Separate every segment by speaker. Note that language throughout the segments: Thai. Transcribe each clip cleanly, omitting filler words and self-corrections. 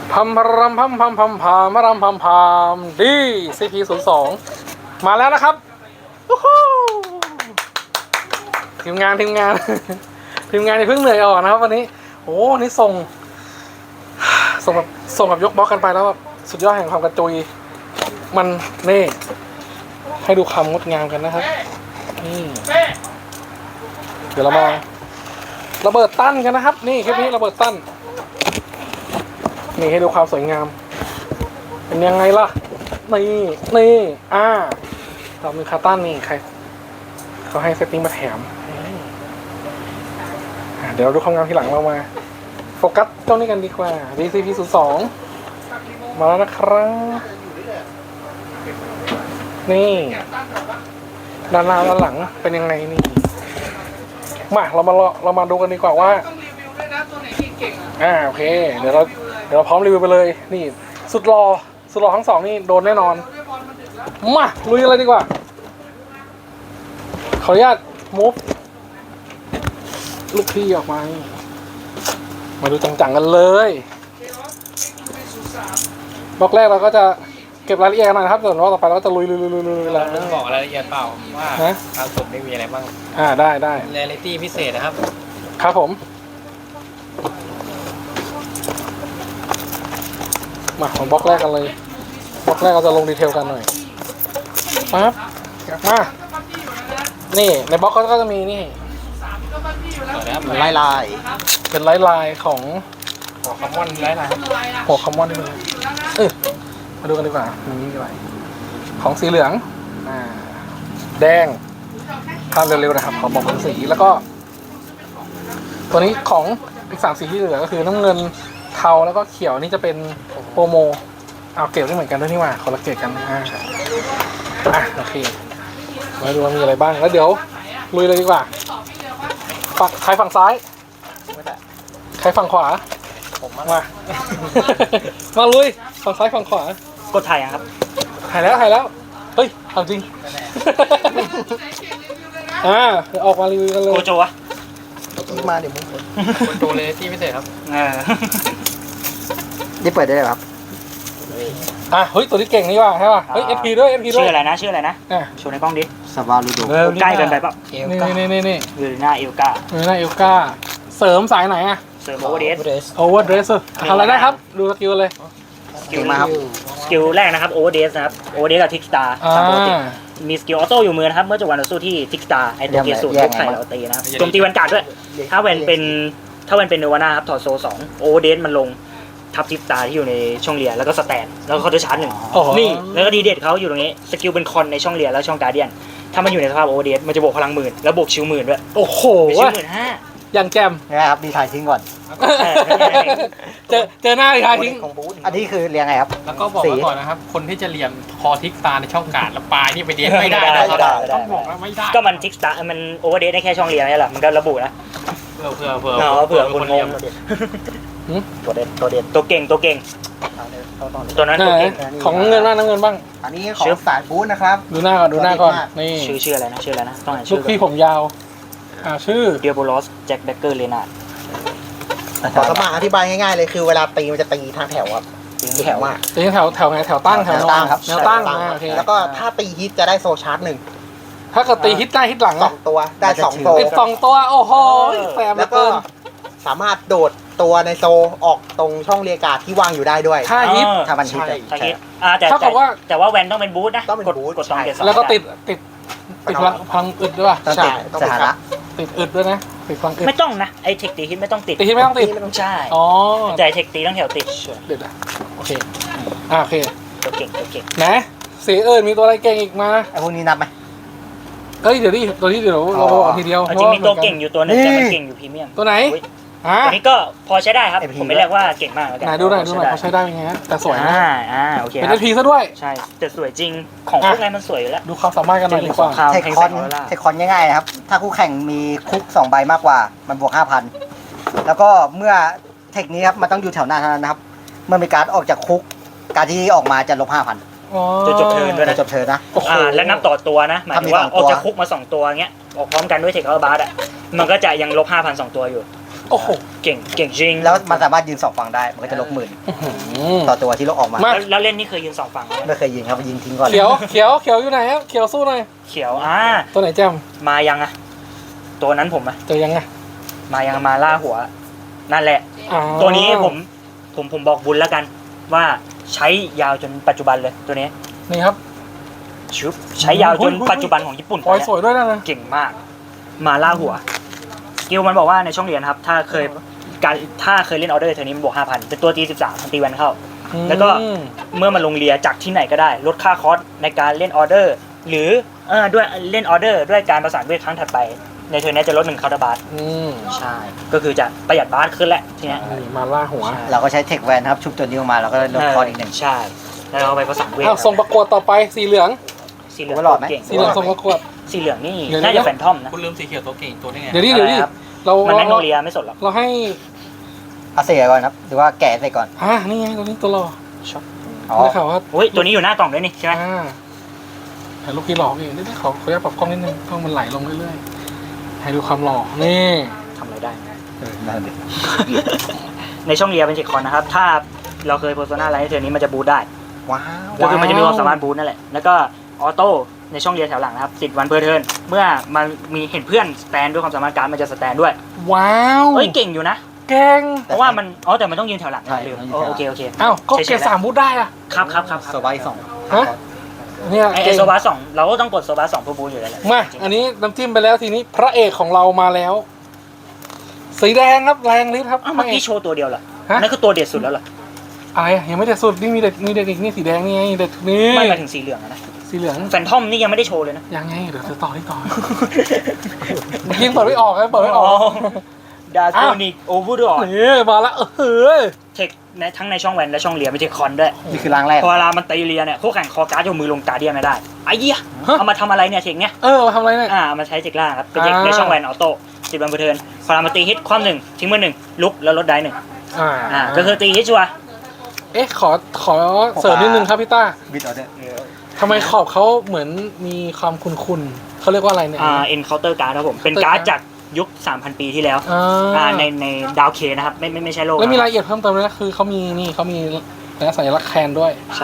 Speaker 1: พัมพรำพัมพัมพัมพามมารำพัมพามดีCP02มาแล้วนะครับทีมงานทีมงานที่เพิ่งเหนื่อยออกนะครับวันนี้โอ้นี่ส่งแบบยกบล็อกกันไปแล้วแบบสุดยอดแห่งความกระจุยมันนี่ให้ดูความงดงามกันนะครับนี่เดี๋ยวเรามาระเบิดตั้นกันนะครับนี่คลิปนี้ระเบิดตั้นนี่ให้ดูความสวยงามเป็นยังไงล่ะนี่เรามีคาตั้นนี่ใครเขาให้เซตติ้งมาแถมเดี๋ยวเราดูความงามทีหลังเรามาโฟกัสเจ้านี้กันดีกว่า VCP02 มาแล้วนะครับนี่ด้านหน้าด้านหลังเป็นยังไงนี่มาเรามาดูกันดีกว่าว่าโอเคเดี๋ยวเราพร้อมรีวิวไปเลยนี่สุดหล่อทั้งสองนี่โดนแน่นอนมาลุยกันเลยดีกว่าขออนุญาตมูฟลูกพี่ออกมาดูจังๆกันเลยบล็อกแรกเราก็จะเก็บรายละเอียดกันหน่อยครับส่วนบล็อกต่อไปเราก็จะลุยแล้ว
Speaker 2: บอกรายละเอียดเปล่าว่าทางสุดไม่มีอะไรบ้าง
Speaker 1: ได้
Speaker 2: เรียลิตี้พิเศษนะครับ
Speaker 1: ครับผมมาของบล็อกแรกกันเลยบล็อกแรกเราจะลงดีเทลกันหน่อยปั๊บมานี่ในบล็อกก็จะมีนี่
Speaker 2: ลาย
Speaker 1: เป็นลายของ
Speaker 2: หัวคัมมอนลาย
Speaker 1: หัวคัมมอนนี่เลยมาดูกันดีกว่านี่อะไรของสีเหลืองแดงภาพเร็วๆนะครับขอบอกเป็นสีแล้วก็ตัวนี้ของอีก3สีที่เหลือก็คือน้ำเงินเทาแล้วก็เขียวนี่จะเป็นโปรโมเอาเก็บได้เหมือนกันด้วยนี่ว่าคนละเกตกันโอเคมาดูว่ามีอะไรบ้างแล้วเดี๋ยวลุยเลยดีกว่าใครฝั่งซ้ายใครฝั่งขวา
Speaker 2: ผม
Speaker 1: มาลุยฝั่งซ้ายฝั่งขวาก
Speaker 3: ดถ่ายครับ
Speaker 1: ถ่ายแล้วเฮ้ยทำจริงเดี๋ยวออกมารีวิวกันเลย
Speaker 3: โกโจวะ
Speaker 2: มาเดี๋ยวมึงโกโจเลยที่พิเศษครับ
Speaker 3: นี่เปิดได้เลยครับ
Speaker 1: เฮ้ยตัวนี้เก่งนี่ว่ะใช่ป่ะเฮ้ย FP ด้วย
Speaker 3: ชื่ออะไรนะโชว์ในกล้องดิ
Speaker 2: ซาบาลูโด
Speaker 3: ใกล้กันไปป่ะ
Speaker 1: นี่
Speaker 3: อยู่หน้าเอลกา
Speaker 1: เสริมสายไหน
Speaker 3: เสริมโอเวอร์เ
Speaker 1: ดรสทำอะไรได้ครับดูสกิลเลย
Speaker 3: สกิลมาครับสกิลแรกนะครับโอเวอร์เดสนะครับโอเวอร์เดสกับทิกสตาร์ตามปกติมีสกิลออโต้อยู่มือนะครับเมื่อจบวันต่อสู้ที่ทิกสตาร์ไอตัวเกียร์สูตรยกไข่เราตีนะครับโจมตีวันการ์ดด้วยถ้าเวนเป็นเนวาน่าครับถอดโซ2โอเวอร์เดสมันลงทับทิกสตาร์ที่อยู่ในช่องเลียแล้วก็สแตนแล้วก็เขาจะชาร์จ1นี่แล้วก็ดีเด็ดเขาอยู่ตรงนี้สกิลเป็นคอนในช่องเลียแล้วช่องการ์เดียนถ้ามันอยู่ในสภาพโอเวอร์เดสมันจะบวกพลัง10,000แล้วบวกชิว10,000ด้วย
Speaker 1: โอ้โห
Speaker 3: ชิว15,000
Speaker 1: อย่างแจม
Speaker 4: นะครับดีถ่ายทิ้งก่อน
Speaker 1: เจอหน้าดีถ่ายทิ้ง
Speaker 4: อันนี้คือเรียงไงครับ
Speaker 2: แล้วก็บอกไว้ก่อนนะครับคนที่จะเรียนคอทิกตาในช่องการ์ดแล้วปลายนี่ไปเรียนไม่ได้ต้องบอกว่าไม่ได้
Speaker 3: ก็มันทิกสตาร์มันโอเวอร์เดสได้แค่ช่องเลียนี่แหละมันก็ระบุนะ
Speaker 2: เผื่อ
Speaker 3: คนงงตัวเด็ดตัวเก่งตัวนั้นตัวเก่ง
Speaker 1: ของเงินบ้าง
Speaker 4: อันนี้ของสายบูธนะครับ
Speaker 1: ดูหน้าก่อนนี่
Speaker 3: ชื่ออะไรนะต้องอ่าน
Speaker 1: ชื่อลูกพี่ผมยาวชื่อ
Speaker 3: เดียโบลอสแจ็คแบคเกอร์เลนาร์ด
Speaker 4: ขอสมัครอธิบายง่ายๆเลยคือเวลาตีมันจะตีทางแถวครับ
Speaker 3: ตีแถวมาก
Speaker 1: ตีแถวไงแถวตั้ง
Speaker 4: ครับ
Speaker 1: แนวตั้งโอเค
Speaker 4: แล้วก็ถ้าตีฮิตจะได้โซชาร์จ1
Speaker 1: ถ้าเกิดตีฮิตได้ฮิตหลัง
Speaker 4: 2ตัวได้2โซ
Speaker 1: 2ตัวโอ้โห
Speaker 4: แล้วก็สามารถโดดตัวในโซออกตรงช่องเรียกาที่วางอยู่ได้ด้วย
Speaker 1: ถ้าฮิต
Speaker 4: ถ้ามันฮิต
Speaker 3: แต่ว่าแวนต้องเป็นบูทนะกด2เกต
Speaker 1: แล้วก็ติดพลังอึดด้วยป่ะ
Speaker 4: ใช่ต้อง
Speaker 1: ติดอึดด้วยนะติดพลังอึด
Speaker 3: ไม่ต้องนะไอเทคตีฮิตไม่ต้องติด
Speaker 1: ไม่ต้องติด
Speaker 3: ใช่แต่เทคตีต้องแถวติด
Speaker 1: เด็ดโอเค
Speaker 3: ตัวเก่ง
Speaker 1: นะสีมีตัวอะไรเก่งอีกมา
Speaker 4: ไอพวกนี้นับไหม
Speaker 1: เดี๋ยวเราบอกทีเดียว
Speaker 3: จริงมีตัวเก่งอยู่ตัวนึงแต่มันเก่งอยู่พรีเมียม
Speaker 1: ตัวไหน
Speaker 3: ตัวนี้ก็พอใช้ได้ครับผมไม่เรียกว่าเก่งมากแล้วกัน
Speaker 1: ไหนดูหน่อยเขาใช้ได้ยังไงแต่สวยนะ
Speaker 3: โอเค
Speaker 1: เป็นทีซะด้วย
Speaker 3: ใช่แต่สวยจริงของพวกนั้นมันสวยอยู่แล้ว
Speaker 1: ดูความสามารถกันหน่อยดีกว่า
Speaker 4: เทคคอนง่ายๆครับถ้าคู่แข่งมีคุก2ใบมากกว่ามันบวก 5,000 แล้วก็เมื่อเทคนี้ครับมันต้องอยู่แถวหน้าเท่านั้นนะครับเมื่อมีการ์ดออกจากคุกการที่ออกมาจะลบ 5,000
Speaker 3: จะจบเทิร์นด้วยนะ
Speaker 4: จบเทิร์นนะ
Speaker 3: แล้วนับต่อตัวนะหมายถึงว่าออกจากคุกมา2ตัวเงี้ยออกพร้อมกันด้วยเทคอัลบาร์มันก็จะยังลบ 5,000 2ตัวอยู่
Speaker 1: โอ้โห
Speaker 3: เก่งเก่งจริง
Speaker 4: แล้วมันสามารถยืน2ฝั่งได้มันก็จะลบหมื่น
Speaker 1: อื้อหือ
Speaker 4: ต่อตัวที่ลบออกมา
Speaker 1: มา
Speaker 3: แล้วเล่นนี่เคยยืน2ฝั่งไหม
Speaker 4: ไม่เคยยิงครับยิงทิ้งก่อน
Speaker 1: เขียวเขียวเขียวอยู่ไหนครับเขียวสู้หน่อย
Speaker 3: เขียว
Speaker 1: ตัวไหนแจม
Speaker 3: มายังอะตัวนั้นผมอะ
Speaker 1: เจอยังไง
Speaker 3: มายังมาล่าหัว นั่นแหละ
Speaker 1: อ๋อ
Speaker 3: ตัวนี้ผมบอกบุญแล้วกัน ว่าใช้ยาวจนปัจจุบันเลยตัวนี้
Speaker 1: นี่ครับ
Speaker 3: ชุบใช้ยาวจนปัจจุบันของญี่ปุ่น
Speaker 1: ปล่อยสวยด้วยนะ
Speaker 3: เก่งมาก มาล่าหัวสกิลมันบอกว่าในช่องเรียนครับ ถ้าเคยเล่นออเดอร์เทอร์นี้มันบวก 5,000 เป็นตัวตี 13มันตีแวนเข้า แล้วก็ เมื่อมันลงเรียจากที่ไหนก็ได้ ลดค่าคอสในการเล่นออเดอร์ หรือด้วยเล่นออเดอร์ด้วยการประสานเวทครั้งถัดไป ในเทอร์นี้จะลด1คาร์ดบาร์
Speaker 1: อืม
Speaker 3: ใช่ ก็คือจะประหยัดบาร์ขึ้นแหละทีเนี้ย
Speaker 1: นี่มาล่าหัว
Speaker 4: เราก็ใช้เทคแวนครับชุบตัวนี้ออกมาเราก็ลดคออีกหนึ่ง
Speaker 3: ใช่ แล้วเราไปประสานเวท
Speaker 1: อ้าวส่งประกวดต่อไปสีเหลือง
Speaker 3: สีเหลือง
Speaker 4: โอ้หลอดไหม
Speaker 3: เก่ง
Speaker 1: สีเหลืองส่งประกวด
Speaker 3: สีเหลืองนี่
Speaker 1: เดี๋ยว
Speaker 3: น่าจะแฟนทอมนะ
Speaker 2: คุณลืมสีเขียวตัวเก่งตัวนี้ไง
Speaker 1: เดี๋ยวนี้
Speaker 3: อะไรครับ
Speaker 1: เรา
Speaker 3: มันแมกโน
Speaker 1: เรา
Speaker 3: เลียไม่สดหรอก
Speaker 1: เราให้
Speaker 4: เอาเสียก่อนครับหรือว่าแกะใส่ก่อน
Speaker 1: นี่ไงตัวนี้ตัวหล่อ
Speaker 4: อ๋อ
Speaker 1: ได้ข่าวว่า
Speaker 3: อุ้ยตัวนี้อยู่หน้ากล่องด้วยนี่ใช่ไหม
Speaker 1: ถ่ายรูปพี่หล่อเองนี่ขออยากปรับกล้องนิดนึงกล้องมันไหลลงเรื่อยๆให้ดูความหล่อนี่
Speaker 3: ทำอะไรได้
Speaker 4: นั่นดิ
Speaker 3: ในช่องเรียเป็นเจ็คคอนนะครับ ถ้าเราเคยโพสต์หน้าไลน์เทอร์นี้มันจะบูทได้
Speaker 4: ว้าว
Speaker 3: ก็คือมันจะมีความสามารถบูทนั่นแหละ แล้วก็ออโต้ในช่องเรียนแถวหลังนะครับ10 วันเพอร์เทิร์นเมื่อมันมีเห็นเพื่อนสแตนด้วยความสามารถการดมันจะสแตนด้วย
Speaker 1: ว้าว
Speaker 3: เฮ้ยเก่งอยู่นะ
Speaker 1: เก่ง
Speaker 3: เพราะว่ามันแต่มันต้องยืนแถวหลังลืมโอเค
Speaker 1: อ้าวก็เกียร์3บูทได้อะ
Speaker 3: ครับ
Speaker 4: โซบายสอง
Speaker 1: ฮะเนี่ย
Speaker 3: ไอ
Speaker 1: เก่ง
Speaker 3: โซบา2เราก็ต้องกดโซบา2เพื่อบูทอยู่แล้วแหละ
Speaker 1: มาอันนี้น้ำจิ้มไปแล้วทีนี้พระเอกของเรามาแล้ว สีแดงครับแรงฤทธิ์ครับ
Speaker 3: อ้าวเมื่อกี้โชว์ตัวเดียวเหรอ
Speaker 1: ฮะ
Speaker 3: นั่นคือตัวเด็ดสุดแล้วเหรอ
Speaker 1: อะไรอะยังไม่เด็ดสุดนี่มีเด็ดอีกนี่สีแดงนี่ไงเด็ดนี่
Speaker 3: ไม่หมายถึงสีเหลืองอะนะ
Speaker 1: สีเหลือง
Speaker 3: แฟนทอมนี่ยังไม่ได้โชว์เลยนะ
Speaker 1: ยังไงเดี๋ยวจะต่อที่ต่อเมื่อกี้เปิดไม่ออกครับเปิดไม่ออก
Speaker 3: ดาโกนิกโอเวอร์ดอร์
Speaker 1: นี่มาแล้ว
Speaker 3: เทคทั้งในช่องแวนและช่องเรียไม่ใช่คอนด้วย
Speaker 4: นี่คือร่างแรก
Speaker 3: พอเวลามันตีเรียเนี่ยคู่แข่งคอการ์ดยกมือลงการ์เดียนไม่ได้ไอ้เหี้ยเอามาทำอะไรเนี่ยเทคเนี้ย
Speaker 1: มาทำอะไรเนี่ย
Speaker 3: เอามาใช้เทคล่างครับเป็นเทคในช่องแวนออโต้10 วันเพอร์เทิร์นพอเรามาตีฮิตความ1ทิ้งมือ1ลุกแล้วลดได้1ก็คือตีฮิตชัวร์
Speaker 1: ขอเสริมนิดนึงครับพี่ต้า
Speaker 4: บิดออเดอร์
Speaker 1: ทำไมขอบเขาเหมือนมีความคุ้นๆเขาเรียกว่าอะไรเนี่ย
Speaker 3: เอ็นเคาน์เตอร์การ์ดครับผมเป็นการ์ดจากยุค 3,000 ปีที่แล้วในดาวเคนะครับไม่ใช่โลก
Speaker 1: แล้วมีรายละเอียดเพิ่มเติมด้วยนะคือเขามีสัญลักษณ์แคนด้วย
Speaker 3: ใช่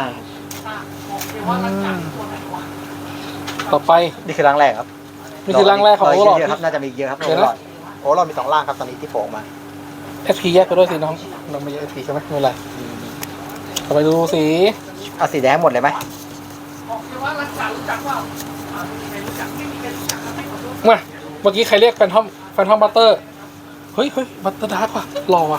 Speaker 1: ต่อไป
Speaker 4: นี่คือร่างแรกครับ
Speaker 1: นี่คือร่างแรกของโอเวอร์ลอด
Speaker 4: เยอะครับน่าจะมีเยอะครับ
Speaker 1: เดี๋ยวนะ
Speaker 4: โอเวอร์ลอดมี2ร่างครับตอนนี้ที่โผล่มา
Speaker 1: SP แยกไปด้วยสิน้องเราไม่แยก SP ใช่ไหมไม่เป็นไรต่อไปดูสี
Speaker 4: เอาสีแดงหมดเลยไหม
Speaker 1: มาเมื่อกี้ใครเรียกแฟนทอมบัตเตอร์เฮ้ยบัตเตอร์ดาร์กว่ะหล่อว่ะ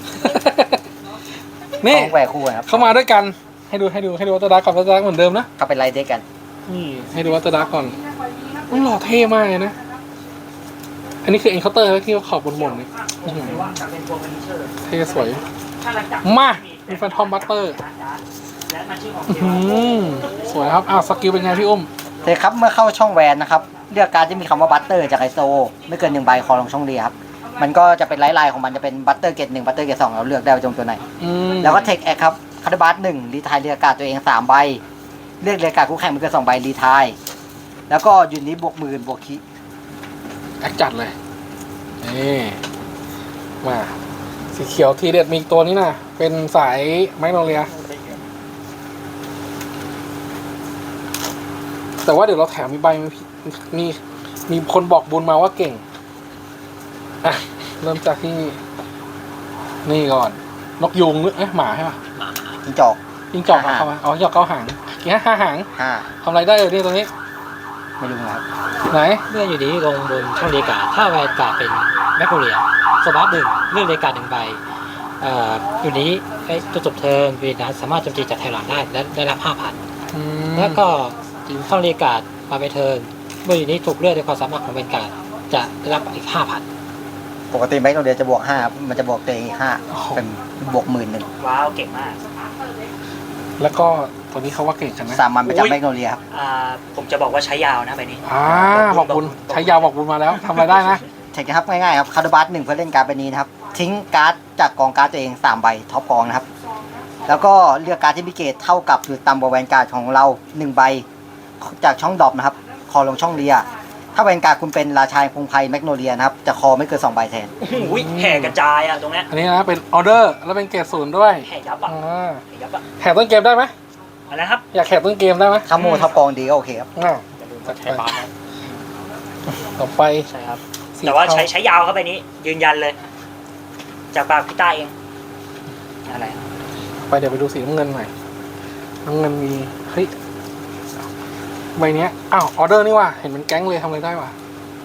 Speaker 1: นี่
Speaker 4: ต้องแหวกคู่กันครับ
Speaker 1: เข้ามาด้วยกันให้ดูบัตเตอร์ดาร์กกับบัตเตอร์ดาร์กเหมือนเดิมนะ
Speaker 4: ก็เป็นไลท์เด็กกัน
Speaker 1: นี่ให้ดูบัตเตอร์ดาร์กก่อนมันหล่อเท่มากเลยนะอันนี้คือเอ็นเคาน์เตอร์ที่ขอบบนๆนี่อื้อหือเท่สวยมามีแฟนทอมบัตเตอร์สวยครับสกิลเป็นไงพี่อุ้ม
Speaker 4: โอเคครับเมื่อเข้าช่องแวนนะครับเลือกการดที่มีคำว่าบัตเตอร์จากไอโซไม่เกิน1 ใบคอลงช่องเรียครับมันก็จะเป็นไลน์ของมันจะเป็นบัตเตอร์เกต1บัตเตอร์เกต2เราเลือกได้ว่าจงตัวไหน แล้วก็เทคแอคครับคาร์ดบัส1รีไทายเรียกการ์ดตัวเอง3 ใบเลือกเรียกการ์ดคู่แข่งไม่เกิน2 ใบรีไทายแล้วก็ยูนิตบวก10,000บวกคี
Speaker 1: แอคจัดเลยนี่มาสีเขียวทีเด็ดมีอีกตัวนี้นะเป็นสายแมกโนเลียแต่ว่าเดี๋ยวเราแถมมีใบมีคนบอกบุญมาว่าเก่งเริ่มจากที่นี่ก่อนนกยูงหรือหมาใช่ปะ
Speaker 4: จิ้งจอก
Speaker 1: จิ้งจอกเข้ามาจิ้งจอกเข้าหางกี่5 หาง
Speaker 4: 5
Speaker 1: ทำอะไรได้เลยตัวนี้
Speaker 4: ไม่รู้นะครับ
Speaker 1: ไหน
Speaker 5: เมื่ออยู่ดีลงบนช่องเรียกการ์ดถ้าแวนการ์ดเป็นแมคโครเรียสบับ1เลือกเรียกการ์ด1 ใบอยู่นี้จนจบเทิร์นวีนัสสามารถโจมตีจากแถวหลังได้และได้รับ 5,000 แล้วก็ช่องเรียกการ์ดมาไปเทิร์นเมื่ออยู่นี้ถูกเลือกด้วยความสามารถของแวนการ์ดจะได้รับอีก 5,000
Speaker 4: ปกติแม็กโนเดียจะบวก5มันจะบวกตัวเองอีก5เป็นบวก10,000
Speaker 3: ว้าวเก่งมาก
Speaker 1: แล้วก็ตัวนี้เขาว่าเก่งกันนะ
Speaker 4: สามัญประจำแม็กโนเดียครับ
Speaker 3: ผมจะบอกว่าใช้ยาวนะใบนี้
Speaker 1: บอกบุญใช้ยาวบอกบุญมาแล้วทำอะไรได้นะ
Speaker 4: เทคนะครับง่ายๆครับคาร์ดบัส1เพื่อเล่นการ์ดใบนี้นะครับทิ้งการ์ดจากกองการ์ดตัวเอง3 ใบท็อปกองนะครับแล้วก็เลือกการ์ดที่มีเกรดเท่ากับหรือต่ำกว่าแวนการ์ดของเรา1 ใบจากช่องดรอปนะครับคอลงช่องเรียถ้าแวนการ์ดคุณเป็นราชาแห่งพงไพรแมกโนเลียนะครับจะคอไม่เกิน2 ใบแทน
Speaker 3: อุ้ยแห่กระจายอ่ะตรงเนี้ย
Speaker 1: อันนี้นะเป็นออเดอร์แล้วเป็นเกรด0ด้วย
Speaker 3: แห่ยับอ่ะ
Speaker 1: อ่า
Speaker 3: แห่ยับอ่ะ
Speaker 1: แข่งต้นเกมได้ไหม
Speaker 3: อะไรนะครับ
Speaker 1: อยากแข่งต้นเกมได้ไหม
Speaker 4: ถ้าโมทับกองดีก็โอเคครับ
Speaker 1: อ่า
Speaker 3: อย่าลืมกดแชร์บาร์นะ
Speaker 1: ต่อไป
Speaker 3: ใช่ครับ
Speaker 1: สี
Speaker 3: แต่ว่า
Speaker 1: เท
Speaker 3: ใช้ยาวเข้าไปนี้ยืนยันเลย จากปากพี่ต้าเองอะไร
Speaker 1: ไปเดี๋ยวไปดูสีน้ำเงินหน่อยน้ำเงินมีเฮ้ยใบเนี้ยอ้าวออเดอร์นี่ว่ะเห็นเป็นแก๊งเลยทำอะไรได้ว่ะ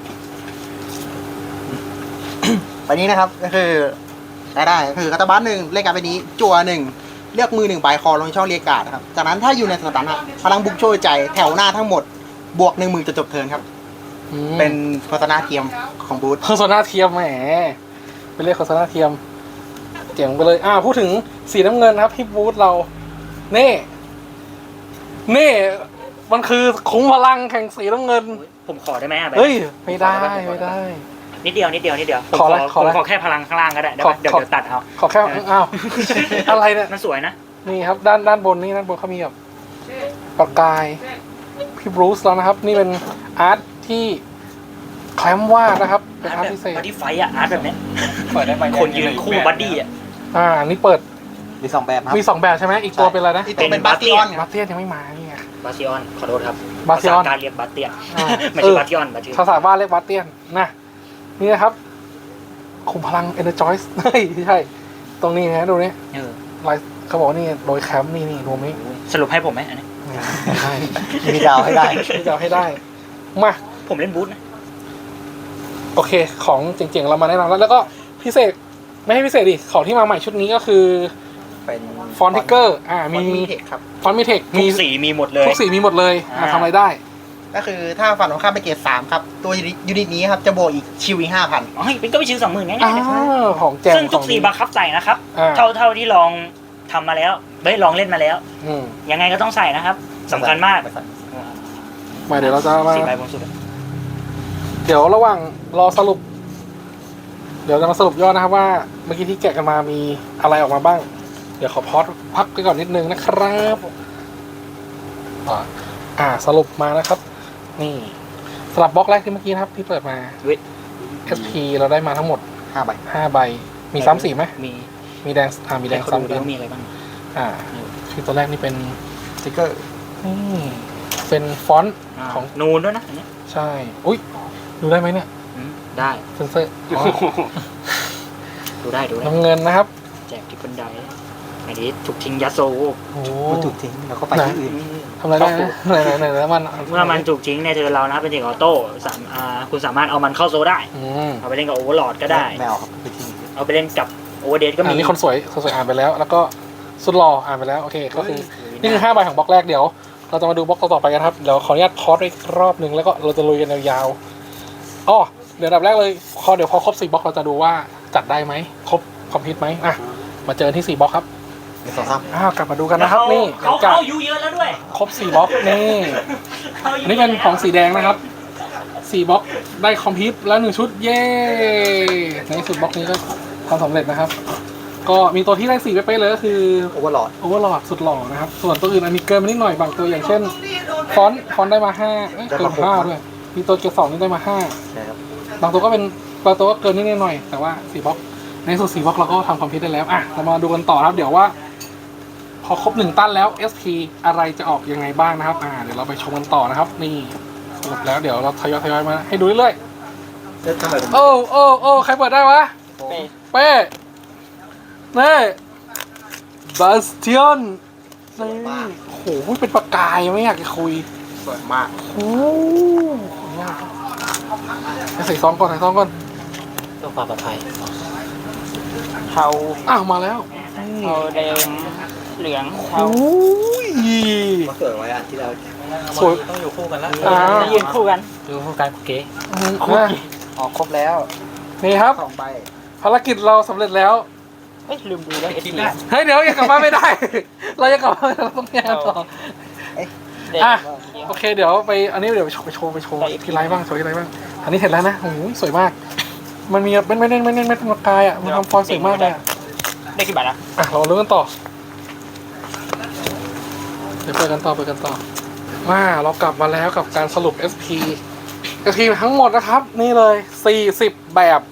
Speaker 6: ใบนี้นะครับก็คือได้ก็คือคาตาบัส1เล่นการ์ดใบนี้จั่ว1เลือกมือ1ใบคอลงช่องเรียกการ์ดนะครับจากนั้นถ้าอยู่ในสถานะพลังบุกโชยใจแถวหน้าทั้งหมดบวก10,000จะจบเทิร์นครับ เป็นโฆษณาเทียมของบูธ
Speaker 1: โฆษณาเทียมแหมเป็นเลขโฆษณาเทียมเจ๋งไปเลยพูดถึงสีน้ำเงินครับที่บูธเราเน่มันคือคุ้มพลังแข่งสีน้ำเงิน
Speaker 3: ผมขอได้ไหมอะแบบ
Speaker 1: เฮ้ยไม่ได้ไม่ได้
Speaker 3: นิดเดียวผม
Speaker 1: ขออะไรขออะไร
Speaker 3: ผมขอแค่พลังข้างล่างก็ได้
Speaker 1: ขอ
Speaker 3: เดี๋ยวตัดเอา
Speaker 1: ขอแค่อ้าวอะไรเนี่ย
Speaker 3: มันสวยนะ
Speaker 1: นี่ครับด้านบนนี่ด้านบนเขามีแบบประกายพี่บรูซแล้วนะครับ นี่เป็นอาร์ตที่แคลมวาดนะครับเป็นอาร์ตพิเศษ
Speaker 3: บัดดี้ไฟอะอาร์ตแบบเนี้ย
Speaker 2: เปิดได้ไหม
Speaker 3: คนยืนคู่บัดดี้อะ
Speaker 1: นี่เปิด
Speaker 4: มี2 แบบครับ
Speaker 1: มี2แบบใช่ไหมอีกตัวเป็นอะไรนะ
Speaker 6: ที่ตัวเป็นบาสติออนครับ
Speaker 1: บาเตียนยังไม่มานี่ไง
Speaker 3: บาซิออนขอโทษครับ
Speaker 1: บาซิออน
Speaker 3: ภษการเรียกบาเตียน
Speaker 1: อ่า
Speaker 3: ไม่ใช่บาซิออนบาซิออน
Speaker 1: ภาษาบ้านเรียกบาเตียนนะนี่นะครับคุมพลัง Energize เฮ้ยไม่ใช่ ตรงนี้นะดูนี่
Speaker 3: เออ
Speaker 1: ลายเขาบอกว่านี่โดยแคมป์นี่รวมนี้
Speaker 3: สรุปให้ผมไหมอันนี้
Speaker 1: ไม่ใช่
Speaker 4: มีดาวให้ได้
Speaker 1: ที่จะเอาให้ได้มา
Speaker 3: ผมเล่นบูธนะ
Speaker 1: โอเค ของเจ๋งๆเรามาแนะนำแล้วก็พิเศษไม่ให้พิเศษดิของที่มาใหม่ชุดนี้ก็คือ
Speaker 4: เป็น
Speaker 1: ฟอนติเกอร์มี
Speaker 6: มีเทคครับ
Speaker 1: ฟอนมีเทค
Speaker 3: ทุกสีมีหมดเลย
Speaker 1: ทุกสีมีหมดเลย ทำอะไรได้
Speaker 6: ก็คือถ้าฝั่งตรงข้ามไปเกรด3ครับตัวยูนิตนี้ครับจะบวกอีกชิวอีก 5,000
Speaker 3: อ๋อเป็นก็ไปชื่อ20,000ง่ายๆเลย
Speaker 1: ของแจม
Speaker 3: ซึ่งทุกสีบังคับใส่นะครับ
Speaker 1: อ่า
Speaker 3: เท่าที่ลองทำมาแล้วลองเล่นมาแล้ว
Speaker 1: อืม
Speaker 3: ยังไงก็ต้องใส่นะครับสำคัญมาก
Speaker 1: มาเดี๋ยวเราจะมา
Speaker 3: สีใบบนสุด
Speaker 1: เดี๋ยวระหว่างรอสรุป เดี๋ยวจะมาสรุปยอดนะครับว่าเมื่อกี้ที่แกะกันมามีอะไรออกมาบ้าง เดี๋ยวขอพอดพักไปก่อนนิดนึงนะครับสรุปมานะครับ นี่สลับบล็อกแรกที่เมื่อกี้นะครับ ที่เปิดมา SP เราได้มาทั้งหมด
Speaker 4: 5 ใบ
Speaker 1: 5 ใบ มีซ้ำสีไหม
Speaker 3: มี
Speaker 1: มีแดงมีแดง
Speaker 3: เขา
Speaker 1: ซ้ำ
Speaker 3: ดู
Speaker 1: กั
Speaker 3: ดิ
Speaker 1: น
Speaker 3: ว่ามีอะไรบ้าง
Speaker 1: คือตัวแรกนี่เป็น
Speaker 4: สติ๊กเกอร์
Speaker 1: นี่เป็นฟอนต์ของ
Speaker 3: นูนด้วยนะอันนี้
Speaker 1: ใช่ อุ้ยดูได้ไหมเนี่ย
Speaker 3: ได้
Speaker 1: เซนเซอร์
Speaker 3: ดูได้
Speaker 1: น้ำเงินนะครับ
Speaker 3: แจกที่บันไดอันนี้ถูกทิ้งยัดโซ
Speaker 1: โอ้
Speaker 4: มันถูกทิ้งแล้วก็ไปที่อื่น
Speaker 1: ทำอะไรได้นะไหนแล้วมัน
Speaker 3: เมื่อมันถูกทิ้งในเทิร์นเรานะเป็นเทคออโต้คุณสามารถเอามันเข้าโซได้
Speaker 1: อืม
Speaker 3: เอาไปเล่นกับโอเวอร์ลอดก็ได้
Speaker 4: แมวครับไปทิ้ง
Speaker 3: เอาไปเล่นกับโอเวอร์เดก็มี
Speaker 1: นี่คนสวยอ่านไปแล้ว แล้วก็สุดหล่ออ่านไปแล้วโอเคก็คือนี่คือ5 ใบของบล็อกแรกเดี๋ยว เราจะมาดูบล็อกต่อๆไปกันครับเดี๋ยวขออนุญาตพอดอีกรอบหนึ่งแล้วก็เราจะลุยกันยาวๆอ๋อเดี๋ยวอันดับแรกเลยเดี๋ยวพอครบ4 บล็อกเราจะดูว่าจัดได้ไหมครบคอมพิวต์ไหมมาเจอที่4 บล็อกครับ
Speaker 4: 1 2 3
Speaker 1: กลับมาดูกันนะครับนี่หลังจาก
Speaker 3: เขาอายุเยอะแล้วด้วย
Speaker 1: ครบ4 บล็อกนี่อันนี้เป็นของสีแดงนะครับ4 บล็อกได้คอมพิวต์แล้ว1 ชุดเย้ในสุดบล็อกนี้ก็ทำสำเร็จนะครับ ก็มีตัวที่ได้4เป๊ะๆเลยก็คือ
Speaker 4: โอเวอร์ลอด
Speaker 1: โอเวอร์ลอดสุดหล่อนะครับ ส่วนตัวอื่นอันนี้เกินมานิดหน่อยบางตัวอย่างเช่น ฟอนต์ได้มา5เกิน5ด้วยมีตัวเกียร์2นี่ได้มา
Speaker 4: ใช่ครับ
Speaker 1: 5บางตัวก็เป็นบางตัวก็เกินนิดหน่อยแต่ว่า4 บล็อกในสุด4 บล็อกเราก็ทำคอมพิวต์ได้แล้วเรามาดูกันต่อครับเดี๋ยวว่า พอครบ1 ตั้นแล้ว SP อะไรจะออกยังไงบ้างนะครับเดี๋ยวเราไปชมกันต่อนะครับ นี่สรุปแล้วเดี๋ยวเราทยอยมาให้ดูเรื่อยๆโอ้ใครเปิดได้วะเป้นี่บาสเตียนนี่โอ้โหเป็นประกายไม่อยากจะคุย
Speaker 6: สวยมาก
Speaker 1: โอ้ยากใส่ซองก่อน
Speaker 5: เพื่อความปลอดภัย
Speaker 3: เทา
Speaker 1: มาแล้ว
Speaker 3: เทาแดงเหลืองเทา
Speaker 1: โอ้ย
Speaker 4: มาเกิดไว้ที่เรา
Speaker 1: สวย
Speaker 2: ต้องอยู่คู่กันแล้ว
Speaker 3: ยืนคู่กัน
Speaker 5: ดูผู้การคุกเก๋
Speaker 4: ออกครบแล้ว
Speaker 1: นี่ครับ
Speaker 4: 2 ใบ
Speaker 1: ภารกิจเราสำเร็จแล้ว
Speaker 3: ลืมดูแล้ว
Speaker 2: คิดได้
Speaker 1: เฮ้ยเดี๋ยวยังกลับบ้านไม่ได้ เรายังกลับบ้านเราต้องแยกกันต่อโอเคเดี๋ยวไปอันนี้เดี๋ยวไปโชว์ที่ไลฟ์บ้างโชว์ที่ไลฟ์บ้างอันนี้เสร็จแล้วนะโอ้โหสวยมาก มันมีไม่เน้นประกายมันทำฟอยล์สวยมากเลย
Speaker 3: ได้กี่บาทนะ
Speaker 1: เราเริ่มกันต่อเดี๋ยวเปิดกันต่อเรากลับมาแล้วกับการสรุป SP กระทีมทั้งหมดนะครับ นี่เลย40แบบ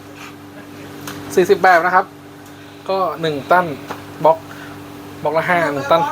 Speaker 1: 40แบบนะครับ ก็1ตันบล็อกละ5 1ตัน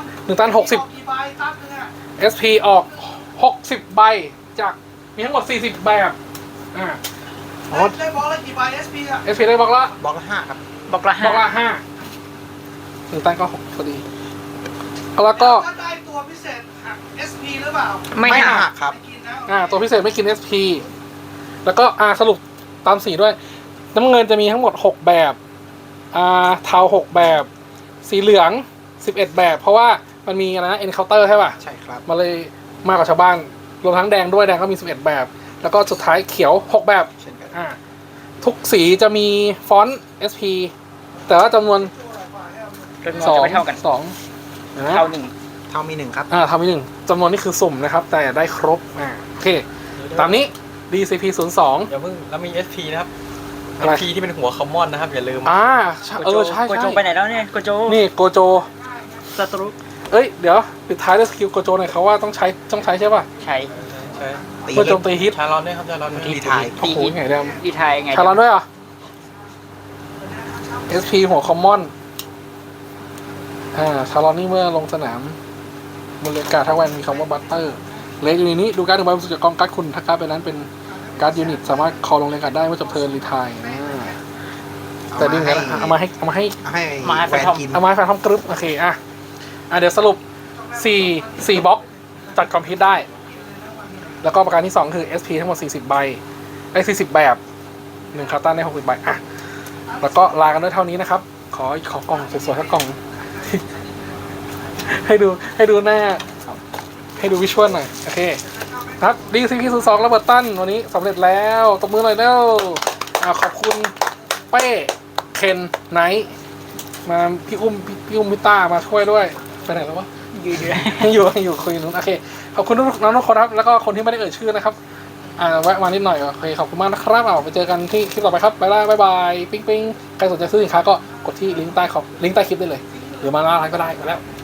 Speaker 1: 60 SP ออก60ใบจากมีทั้งหมด40แบบได้บล็อกละกี่ใบ SP ได้บล็อกละ
Speaker 6: บล็อกละ5ครับ
Speaker 3: บล็อกละ
Speaker 1: บล็อกละ
Speaker 3: 5
Speaker 1: 5 1ตันก็6พอดีแล้วก็
Speaker 7: ถ้าได้ตัวพิเศษหัก SP หรือเปล่า
Speaker 3: ไม่หัก
Speaker 6: หักครับ
Speaker 7: ไม่กินนะ
Speaker 1: ตัวพิเศษไม่กิน SP แล้วก็สรุปตามสีด้วยน้ำเงินจะมีทั้งหมด6แบบเทา6แบบสีเหลือง11แบบเพราะว่ามันมีอะไรนะ encounter ใช่ป่ะ
Speaker 6: ใช่ครับ
Speaker 1: มาเลยมากกว่าชาวบ้านรวมทั้งแดงด้วยแดงก็มี11แบบแล้วก็สุดท้ายเขียว6แบบ
Speaker 6: เช่นกัน
Speaker 1: ทุกสีจะมีฟอนต์ SP แต่ว่าจำนวน
Speaker 3: จำนวนจะไม่เท่ากัน
Speaker 1: 2
Speaker 3: เท่าหนึ่ง
Speaker 6: เท่ามี1ครับ
Speaker 1: ทำอีก1จำนวนนี้คือสุ่มนะครับแต่ได้ครบโอเคตามนี้ DCP 02
Speaker 2: อย่าเพิ่งแล้วมี SP นะครับ
Speaker 1: อะไร
Speaker 2: SP ที่เป็นหัวคอมมอนนะครับอย่าลืม
Speaker 1: ใช่
Speaker 3: โกโจ
Speaker 1: ใช่
Speaker 3: โกโจไปไหนแล้วเนี่ยโกโจ
Speaker 1: นี่โกโจ
Speaker 3: ศัตรู
Speaker 1: เดี๋ยวปิดท้ายด้วยสกิลโกโจหน่อยเขาว่าต้องใช้ใช่ป่ะ
Speaker 3: ใช้
Speaker 2: ใช่
Speaker 6: ตี
Speaker 1: เพื่อโจมตีฮิต
Speaker 2: ชาลอนด้วยครับชาลอนด้วย
Speaker 6: รีไทาย
Speaker 1: โอ้โหไงเดิม
Speaker 3: ดีไทยไง
Speaker 1: ชาลอนด้วยเหรอ SP หัวคอมมอนชาลอนนี่เมื่อลงสนามบนเรือกาถ้าแวนมีคำว่าบัตเตอร์เลกอยู่ในนี้ดูการ์ดหนึ่งใบบนสุดจากกองการ์ดคุณถ้าการ์ดเป็นนั้นเป็นการ์ดยูนิตสามารถคอลงเรือกาได้เมื่อจบเทิร์นรีไทายแต่ดิ้งกันเอามาให้
Speaker 6: ให้แฟนกิน
Speaker 1: เอามาให้แฟนทอมกรึ๊บโอเคเดี๋ยวสรุป4บล็อกจัดคอมพิวต์ได้ แล้วก็ประการที่ 2 คือ SP ทั้งหมด40ใบได้40แบบ1คาร์ตันได้60ใบแล้วก็ลากันด้วยเท่านี้นะครับ ขอกล่องสวยๆสักกล่อง ให้ดูหน้าให้ดูวิชวลหน่อยโอเคครับ DCP 02ระเบิดตั้นวันนี้สำเร็จแล้วตบมือหน่อยเร็วขอบคุณเป้เคนไนท์มาพี่อุ้มพี่ต้ามาช่วยด้วยไปไหนแล้ววะอยู่คุยนู้นโอเคขอบคุณน้องทุกคนครับแล้วก็คนที่ไม่ได้เอ่ยชื่อนะครับแวะมานิดหน่อยโอเคขอบคุณมากนะครับไปเจอกันที่คลิปต่อไปครับบ๊ายบายปิ๊งใครสนใจซื้อสินค้าก็กดที่ลิงก์ใต้คลิปได้เลยหรือมาหน้าร้านก็ได้ไปแล้ว